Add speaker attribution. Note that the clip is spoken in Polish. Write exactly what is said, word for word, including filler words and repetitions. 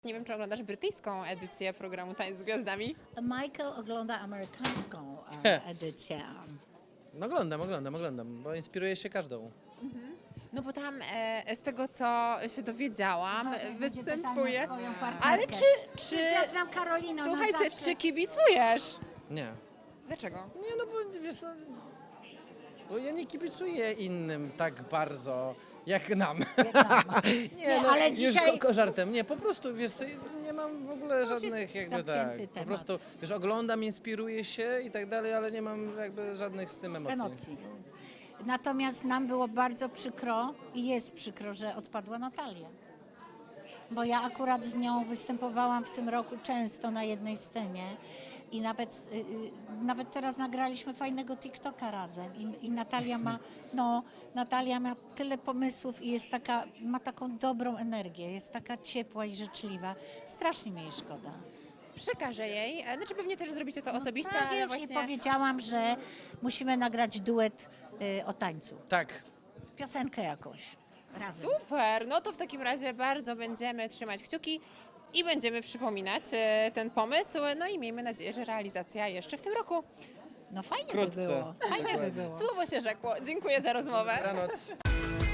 Speaker 1: Nie wiem, czy oglądasz brytyjską edycję programu Tańc z Gwiazdami?
Speaker 2: Michael ogląda amerykańską e, edycję.
Speaker 3: No oglądam, oglądam, oglądam, bo inspiruję się każdą.
Speaker 1: No bo tam e, z tego, co się dowiedziałam,
Speaker 2: Uważaj, będzie
Speaker 1: występuje...
Speaker 2: pytanie o twoją partnerkę.
Speaker 1: Ale czy... czy...
Speaker 2: Przecież ja znam Karolinę, ona
Speaker 1: Słuchajcie,
Speaker 2: zawsze...
Speaker 1: czy kibicujesz?
Speaker 3: Nie.
Speaker 1: Dlaczego?
Speaker 3: Nie, no bo wiesz, no, bo ja nie kibicuję innym tak bardzo jak nam.
Speaker 2: Jak nam.
Speaker 3: nie,
Speaker 2: Nie,
Speaker 3: no,
Speaker 2: ale
Speaker 3: już
Speaker 2: dzisiaj-
Speaker 3: ko- ko- żartem. Nie, po prostu wiesz, co, nie mam w ogóle
Speaker 2: już jest
Speaker 3: żadnych jakby tak.
Speaker 2: zamknięty
Speaker 3: Po
Speaker 2: temat.
Speaker 3: prostu wiesz, oglądam, inspiruję się i tak dalej, ale nie mam jakby żadnych z tym emocji.
Speaker 2: emocji. Natomiast nam było bardzo przykro i jest przykro, że odpadła Natalia. Bo ja akurat z nią występowałam w tym roku często na jednej scenie i nawet, y, y, nawet teraz nagraliśmy fajnego TikToka razem i, i Natalia ma, no, Natalia ma tyle pomysłów i jest taka, ma taką dobrą energię, jest taka ciepła i życzliwa. Strasznie mi jej szkoda.
Speaker 1: Przekażę jej. E, Znaczy pewnie też zrobicie to osobiście,
Speaker 2: Tak,
Speaker 1: ale
Speaker 2: już
Speaker 1: właśnie...
Speaker 2: jej powiedziałam, że musimy nagrać duet y, o tańcu.
Speaker 3: Tak.
Speaker 2: Piosenkę jakąś razem.
Speaker 1: Super! No to w takim razie bardzo będziemy trzymać kciuki i będziemy przypominać e, ten pomysł. No i miejmy nadzieję, że realizacja jeszcze w tym roku.
Speaker 2: No fajnie
Speaker 3: Wkrótce.
Speaker 2: by było. Fajnie by
Speaker 3: Dokładnie.
Speaker 2: było.
Speaker 1: Słowo się rzekło. Dziękuję za rozmowę.
Speaker 3: Dobranoc.